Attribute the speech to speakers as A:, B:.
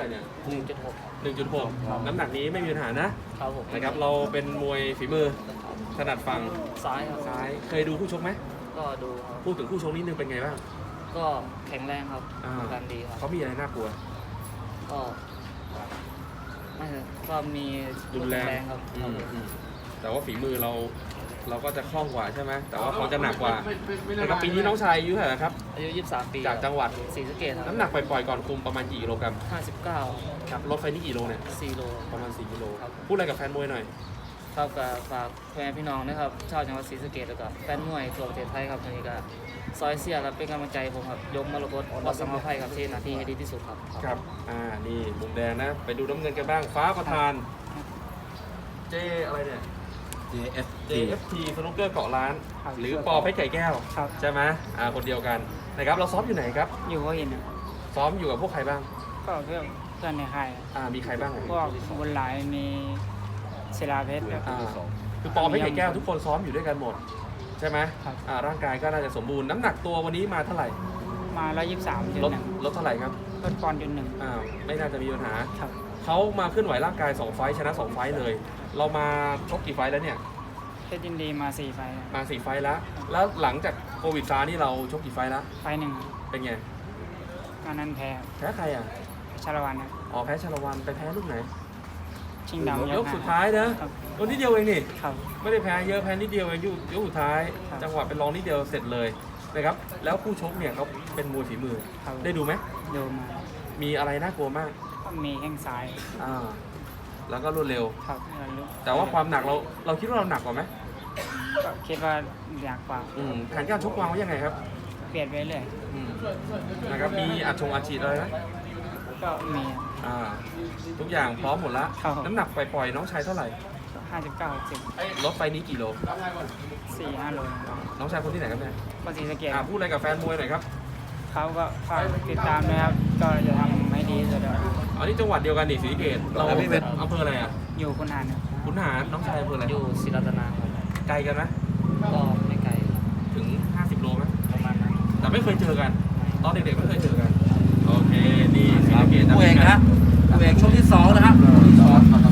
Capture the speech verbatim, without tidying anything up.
A: เนี่ย
B: หนึ่งจุดหก
A: หนึ่งจุดหกน้ำหนักนี้ไม่มีปัญหานะครับ
B: ผม
A: นะครับเราเป็นมวยฝีมือถนัดฝั่ง
B: ซ้ายครับ
A: ซ้ายเคยดูคู่ชกไหม
B: ก็ดูครับ
A: พูดถึงคู่ชกนิดนึงเป็นไงบ้าง
B: ก็แข็งแรงครับ
A: อ่า
B: การดีครับ
A: เขามีอะไรน่ากลัว
B: ก็ไม่ใช่ก็มี
A: รุนแรง
B: ครับ
A: อื
B: ครับ
A: ม
B: ผม
A: อืมแต่ว่าฝีมือเราเราก็จะคล่องกว่าใช่ไหมแต่ว่าเขาจะหนักกว่านะครับปีนี้น้องชายอายุเท่าไหร่ครับ
B: อายุยี่สิบสามปี
A: จากจังหวัด
B: ศรีสะเกษครับ
A: น้ำหนักปล่อยๆก่อนคุมประมาณกี่กิโลกรัม
B: ห้าสิบเก้า
A: ครับลดไฟนี่กี่โลเนี่ย
B: สี่โล
A: ประมาณสี่กิโล
B: ครับ
A: พูดอะไรกับแฟนมวยหน่อย
B: ครับกับฝากแฟนพี่น้องนะครับชาวจังหวัดศรีสะเกษแล้วก็แฟนมวยทั่วประเทศไทยครับวันนี้ก็ซอยเสียครับเป็นกำลังใจผมครับยกมรกตวัดสังฆไพครับที่หนาที่ให้ดีที่สุดครับ
A: ครับอ่านี่มุมแดงนะไปดูน้ำเงินกันบ้างฟ้าประธานเจอะไรเนี่ย
C: เจ เอฟ
A: เจ เอฟ ที สนุกเกอร์เกาะล้าน
D: ครับ
A: หรือปอเพชรไก่แก้ว
D: ครับ
A: ใช่ไหมอ่าคนเดียวกันนะครับเราซ้อมอยู่ไหนครับ
D: อยู่หัวหินอะ
A: ซ้อมอยู่กับพวกใครบ้าง
D: ก็เพื่อนเพื่อนในค่าย
A: อ่ามีใครบ้าง
D: พวกบุญหลายมีศิลาเพชรครับ
A: อ่าคือปอเพชรไก่แก้วทุกคนซ้อมอยู่ด้วยกันหมดใช่ไหม
D: ครับ
A: อ่าร่างกายก็น่าจะสมบูรณ์น้ำหนักตัววันนี้มาเท่าไหร่
D: มาร้อยยี่สิบสามจุด
A: ลด
D: หนึ่ง
A: ลดเท่าไหร่ครับ
D: ลดปอนด์จุดหนึ่ง
A: อ่าไม่น่าจะมีปัญหา
D: ครับ
A: เขามาเคลื่อนไหวร่างกายสองไฟท์ชนะสองไฟท์เลย เรามาชกกี่ไฟท์แล้วเนี่ย
D: เพชรยินดีมาสี่ไฟล์
A: มาสี่ไฟท์แล้ว แล้วหลังจากโควิดซานี่เราชกกี่ไฟท์แล้ว
D: ไฟล์หนึ่ง
A: เป็นไง
D: การนั้นแพ้
A: แพ้ใครอ่ะ
D: ชาละวันครับ
A: อ๋อแพ้ชาละวันไปแพ้ลูกไหน
D: ชิงดำ
A: ยกสุดท้ายนะครับ ตัวนิดเดียวเองนี่
D: ครับ
A: ไม่ได้แพ้เยอะแพ้นิดเดียวเองยกยกสุดท้าย
D: ครับ
A: จังหวะเป็นรองนิดเดียวเสร็จเลยนะครับ แล้วคู่ชกเนี่ยเขาเป็นมวยฝีมือ
D: ครับ
A: ได้ดูไหม
D: ดูมา
A: มีอะไรน่ากลัวมาก
D: ก็มีแข้งซ้าย
A: อ่า แล้วก็รวดเร็ว
D: ครับแล้วรู้
A: แต่ว่าความหนักเราเราคิดว่าเราหนักกว่าไหม
D: ก็คิดว่าอยากกว่า
A: อืมแผนการชกวางไว้ยังไงครับ
D: เปลี่ยนไปเรื่อย
A: อืมนะครับ มีอัดชงอัดฉีดอะไรไหม
D: ก็มี
A: อ่า ทุกอย่างพร้อมหมดแล้ว
D: ครับ
A: น้ำหนักปล่อยๆน้องชายเท่าไหร่
D: ห้าสิบเก้าสิบ
A: ลดไปนี้กี่โล
D: สี่ห้าโล
A: น้องชายคนที่ไหนครับเนี่ย
D: ก็ศรีสะเกษ
A: อ่าพูดอะไรกับแฟนมวยหน่อยครับ
D: เขาก็ฝากติดตามนะครับ ก็จะทำให้ดีที่สุดครับ
A: อ๋อนี่จังหวัดเดียวกันนี่ศรีสะเกษเรา
C: แล้วพี่เป็น
A: อำเภออะไรอ่ะ
D: อยู่คุณหานครับ
A: ขุนหารน้องชายอำเภออะไร
B: อยู่ศรีรัตนาครับ
A: ไกลกันไหม
B: ก็ไม่ไกลครับ
A: ถึงห้าสิบโลไหม
B: ประมาณนั้น
A: แต่ไม่เคยเจอกัน ตอนเด็กๆไม่เคยเจอกัน โอเค นี่ศรี
C: ครับ
A: สะเกษ
C: ผู้เอกนะผู้เอกช่วงที่สองนะครับช่วงที่สอง